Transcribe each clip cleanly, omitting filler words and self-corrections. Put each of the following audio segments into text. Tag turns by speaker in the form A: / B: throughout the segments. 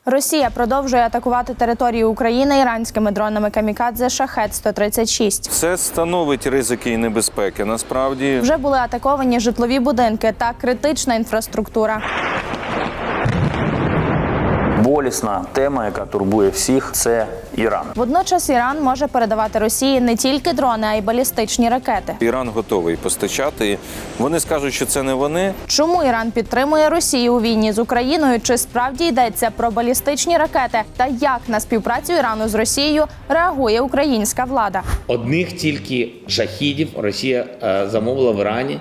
A: Росія продовжує атакувати територію України іранськими дронами камікадзе «Шахед-136».
B: Це становить ризики і небезпеки. Насправді
A: Вже були атаковані житлові будинки та критична інфраструктура.
C: Болісна тема, яка турбує всіх, це Іран.
A: Водночас Іран може передавати Росії не тільки дрони, а й балістичні ракети.
B: Іран готовий постачати. Вони скажуть, що це не вони.
A: Чому Іран підтримує Росію у війні з Україною? Чи справді йдеться про балістичні ракети? Та як на співпрацю Ірану з Росією реагує українська влада?
D: Одних тільки шахідів Росія замовила в Ірані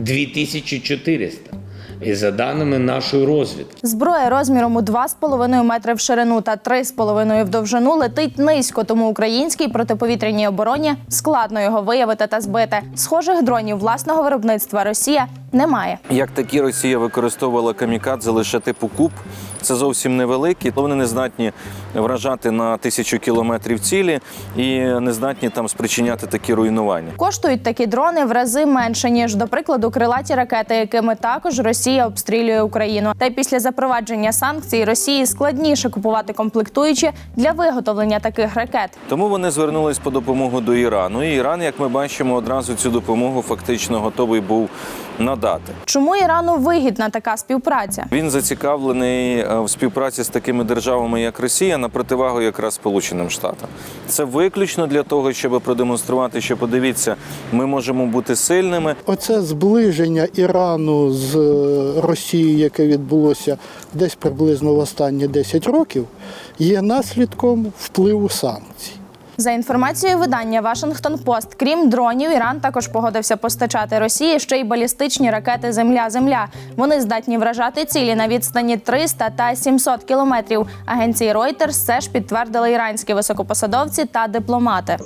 D: 2400. І за даними нашої розвідки.
A: Зброя розміром у 2,5 метри в ширину та 3,5 в довжину летить низько, тому українській протиповітряній обороні складно його виявити та збити. Схожих дронів власного виробництва Росія не має.
B: Як такі, Росія використовувала камікадзе лише типу куб. Це зовсім невеликі, то вони не здатні вражати на 1000 кілометрів цілі і не здатні там спричиняти такі руйнування.
A: Коштують такі дрони в рази менше, ніж, до прикладу, крилаті ракети, якими також Росія обстрілює Україну. Та й після запровадження санкцій Росії складніше купувати комплектуючі для виготовлення таких ракет.
B: Тому вони звернулись по допомогу до Ірану. І Іран, як ми бачимо, одразу цю допомогу фактично готовий був надати.
A: Чому Ірану вигідна така співпраця?
B: Він зацікавлений в співпраці з такими державами, як Росія, на противагу якраз Сполученим Штатам. Це виключно для того, щоб продемонструвати, що, подивіться, ми можемо бути сильними.
E: Оце зближення Ірану з Росією, яке відбулося десь приблизно в останні 10 років, є наслідком впливу санкцій.
A: За інформацією видання «Вашингтон-Пост», крім дронів, Іран також погодився постачати Росії ще й балістичні ракети «Земля-Земля». Вони здатні вражати цілі на відстані 300 та 700 кілометрів. Агенції Reuters теж підтвердили іранські високопосадовці та дипломати.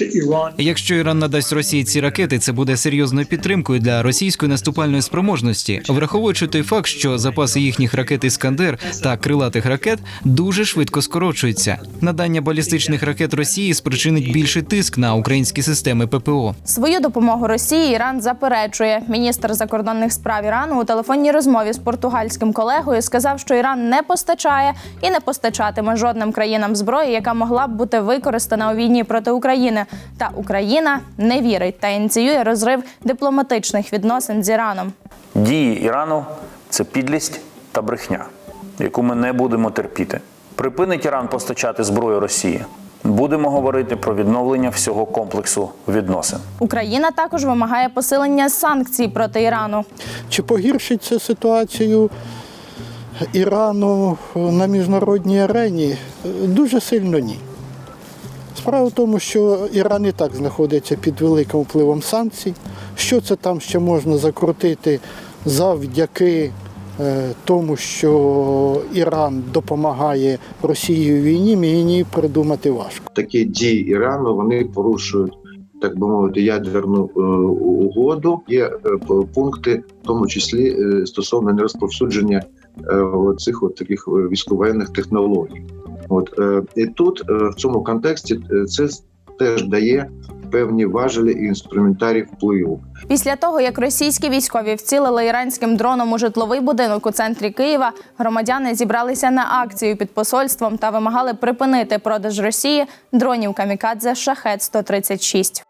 F: Якщо Іран надасть Росії ці ракети, це буде серйозною підтримкою для російської наступальної спроможності, враховуючи той факт, що запаси їхніх ракет «Іскандер» та крилатих ракет дуже швидко скорочуються. Надання балістичних ракет Росії спричинить більший тиск на українські системи ППО.
A: Свою допомогу Росії Іран заперечує. Міністр закордонних справ Ірану у телефонній розмові з португальським колегою сказав, що Іран не постачає і не постачатиме жодним країнам зброї, яка могла б бути використана у війні проти України. Та Україна не вірить та ініціює розрив дипломатичних відносин з Іраном.
C: Дії Ірану – це підлість та брехня, яку ми не будемо терпіти. Припинить Іран постачати зброю Росії. Будемо говорити про відновлення всього комплексу відносин.
A: Україна також вимагає посилення санкцій проти Ірану.
E: Чи погіршить це ситуацію Ірану на міжнародній арені? Дуже сильно ні. Справа в тому, що Іран і так знаходиться під великим впливом санкцій. Що це там ще можна закрутити завдяки тому, що Іран допомагає Росії в війні, мені придумати важко.
G: Такі дії Ірану, вони порушують, так би мовити, ядерну угоду. Є пункти, в тому числі стосовно нерозповсюдження цих таких військовоєнних технологій. І тут, в цьому контексті, це теж дає певні важелі і інструментарій впливу.
A: Після того, як російські військові вцілили іранським дроном у житловий будинок у центрі Києва, громадяни зібралися на акцію під посольством та вимагали припинити продаж Росії дронів камікадзе «Шахед-136».